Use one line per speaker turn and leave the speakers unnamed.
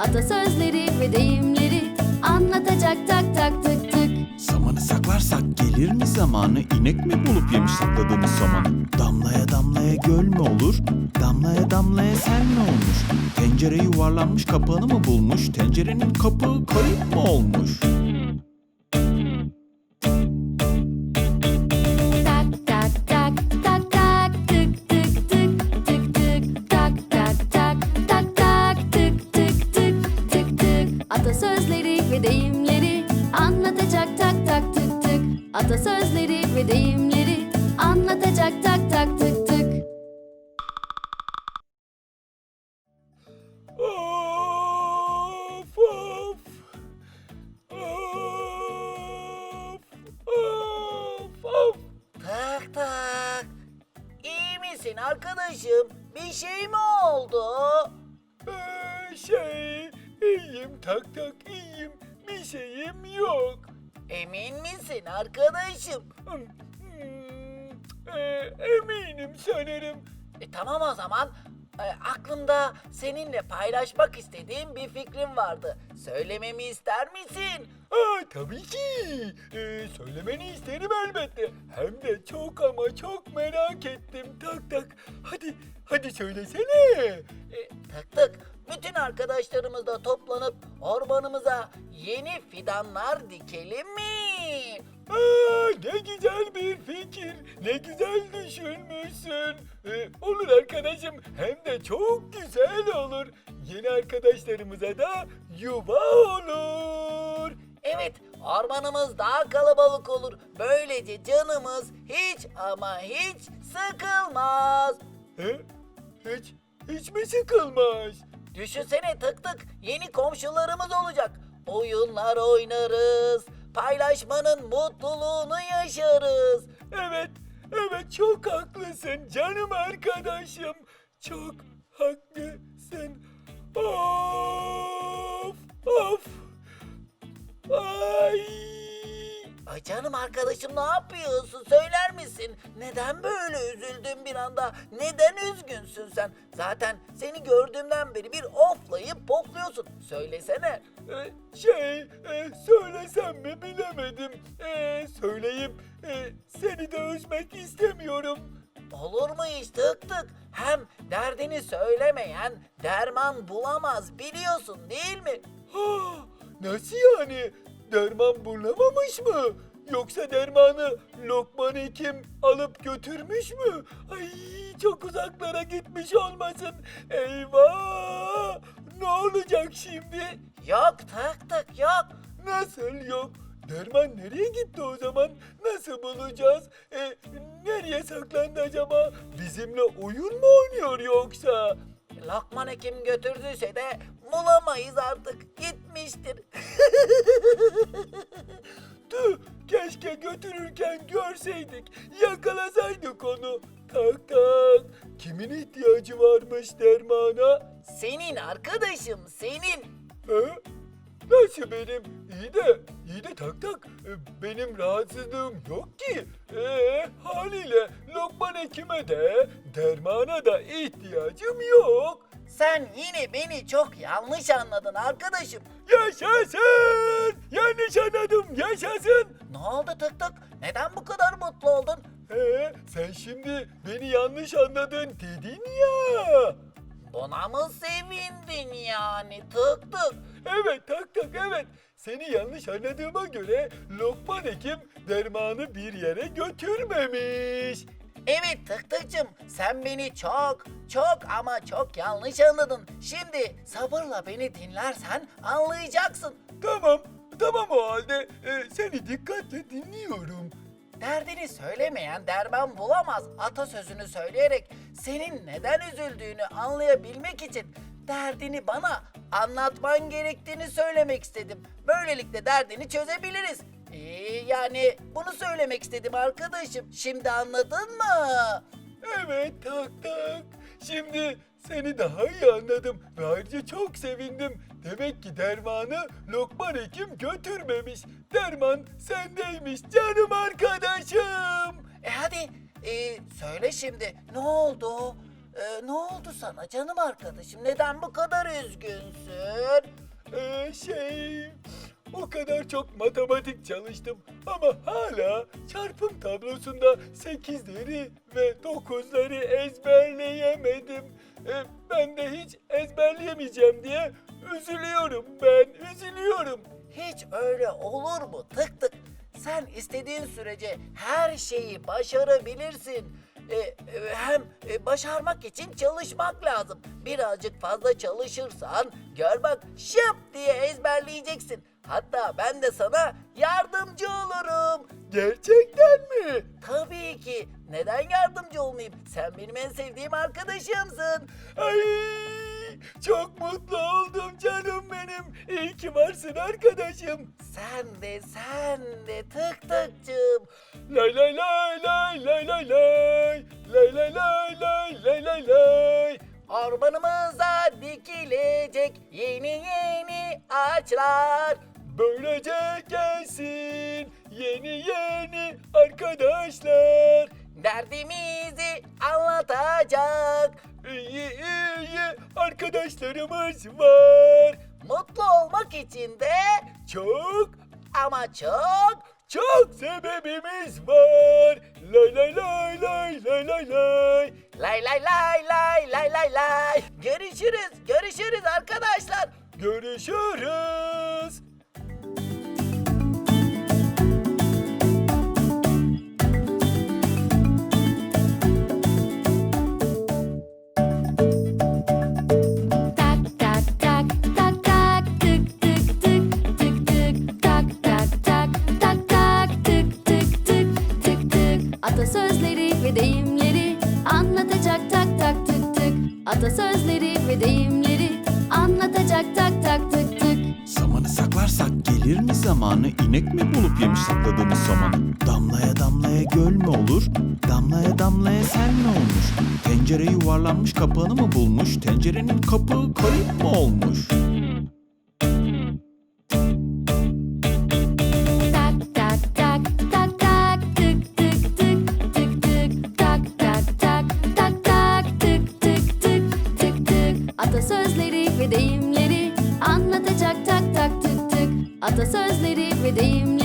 Atasözleri ve deyimleri anlatacak tak tak tık tık.
Samanı saklarsak gelir mi zamanı? İnek mi bulup yemiş sakladığımız samanı? Damlaya damlaya göl mü olur? Damlaya damlaya sel mi olmuş? Tencere yuvarlanmış kapağını mı bulmuş? Tencerenin kapağı kayıp mı olmuş?
Tak tak tak tak tak tık tık tık tık tık tak tak tak tak tak tık tık tık tık tık. Atasözleri ve deyimleri anlatacak tak tak tık tık. Atasözleri ve deyimleri anlatacak tak tak tık tık.
Of of. Of of.
Tak tak. İyi misin arkadaşım? Bir şey mi oldu?
İyiyim tak tak iyiyim. Bir şeyim yok.
Emin misin arkadaşım?
Eminim sanırım.
Tamam o zaman. Aklımda seninle paylaşmak istediğim bir fikrim vardı. Söylememi ister misin?
Tabii ki. Söylemeni isterim elbette. Hem de çok ama çok merak ettim tak tak. Hadi söylesene.
Tık tık. Bütün arkadaşlarımızla toplanıp ormanımıza yeni fidanlar dikelim mi?
Ne güzel bir fikir. Ne güzel düşünmüşsün. Olur arkadaşım. Hem de çok güzel olur. Yeni arkadaşlarımıza da yuva olur.
Evet, ormanımız daha kalabalık olur. Böylece canımız hiç ama hiç sıkılmaz.
Hiç mi sıkılmaz?
Düşünsene tık tık, yeni komşularımız olacak. Oyunlar oynarız, paylaşmanın mutluluğunu yaşarız.
Evet çok haklısın canım arkadaşım. Çok haklısın. Of.
Ay canım arkadaşım ne yapıyorsun söyler misin? Neden böyle üzüldün bir anda? Neden üzgünsün sen? Zaten seni gördüğümden beri bir oflayıp pofluyorsun. Söylesene.
Söylesem mi bilemedim. Söyleyip seni de üzmek istemiyorum.
Olur mu hiç tık tık? Hem derdini söylemeyen derman bulamaz biliyorsun değil mi?
Nasıl yani? Derman bulamamış mı? Yoksa dermanı Lokman Hekim alıp götürmüş mü? Ay çok uzaklara gitmiş olmasın. Eyvah! Ne olacak şimdi?
Yok tık tık yok.
Nasıl yok? Derman nereye gitti o zaman? Nasıl bulacağız? Nereye saklandı acaba? Bizimle oyun mu oynuyor yoksa?
Lokman Hekim götürdüyse de bulamayız artık. Gitmiştir.
Tüh, keşke götürürken görseydik, yakalasaydık onu. Tak tak, kimin ihtiyacı varmış dermana?
Senin arkadaşım senin.
Nasıl benim? İyi de tak tak, benim rahatsızlığım yok ki. Haliyle Lokman Hekim'e de dermana da ihtiyacım yok.
Sen yine beni çok yanlış anladın arkadaşım.
Yaşasın! Yanlış anladım, yaşasın!
Ne oldu tık tık? Neden bu kadar mutlu oldun?
Sen şimdi beni yanlış anladın dedin ya.
Buna mı sevindin yani tık tık?
Evet tak tak evet. Seni yanlış anladığıma göre Lokman Hekim dermanı bir yere götürmemiş.
Evet tık tıkçım sen beni çok ama çok yanlış anladın. Şimdi sabırla beni dinlersen anlayacaksın.
Tamam o halde seni dikkatle dinliyorum.
Derdini söylemeyen derman bulamaz atasözünü söyleyerek senin neden üzüldüğünü anlayabilmek için derdini bana anlatman gerektiğini söylemek istedim. Böylelikle derdini çözebiliriz. Yani bunu söylemek istedim arkadaşım. Şimdi anladın mı?
Evet tak tak. Şimdi seni daha iyi anladım ve ayrıca çok sevindim. Demek ki dermanı Lokman Hekim götürmemiş. Derman sendeymiş canım arkadaşım.
Hadi söyle şimdi ne oldu? Ne oldu sana canım arkadaşım? Neden bu kadar üzgünsün?
O kadar çok matematik çalıştım ama hala çarpım tablosunda 8'leri ve 9'ları ezberleyemedim. Ben de hiç ezberleyemeyeceğim diye üzülüyorum üzülüyorum.
Hiç öyle olur mu? Tık tık. Sen istediğin sürece her şeyi başarabilirsin. Hem başarmak için çalışmak lazım. Birazcık fazla çalışırsan gör bak şıp diye ezberleyeceksin. Hatta ben de sana yardımcı olurum.
Gerçekten mi?
Tabii ki. Neden yardımcı olmayayım? Sen benim en sevdiğim arkadaşımsın.
Ay, çok mutlu oldum canım benim. İyi ki varsın arkadaşım.
Sen de tık tıkçım.
Lay lay lay lay lay lay lay. Lay lay lay lay lay lay lay.
Ormanımıza dikilecek yeni ağaçlar.
Böylece gelsin yeni arkadaşlar.
Derdimizi anlatacak.
İyi arkadaşlarımız var.
Mutlu olmak için de
Çok
ama çok
sebebimiz var. Lay lay lay lay lay lay lay.
lay lay lay lay lay lay lay. Görüşürüz arkadaşlar.
Görüşürüz.
Tak tak tak tak tak tık tık tık tık tık tak tak tak tak tak tık tık tık tık tık atasözleri ve deyimleri anlatacak tak tak tık tık atasözleri ve deyimleri anlatacak tak tak tık tık.
Samanı saklarsak gelir mi zamanı? İnek mi bulup yemiş sakladığımız samanı? Damlaya damlaya göl mü olur? Damlaya damlaya sel mi olmuş? Tencere yuvarlanmış kapağını mı bulmuş? Tencerenin kapağı kayıp mı olmuş?
Tak tak tak tak tak tık tık tık tık tık tak tak tak tak tak tık tık tık tık tık atasözleri ve deyimleri anlatacak tak tak tık tık atasözleri ve deyimleri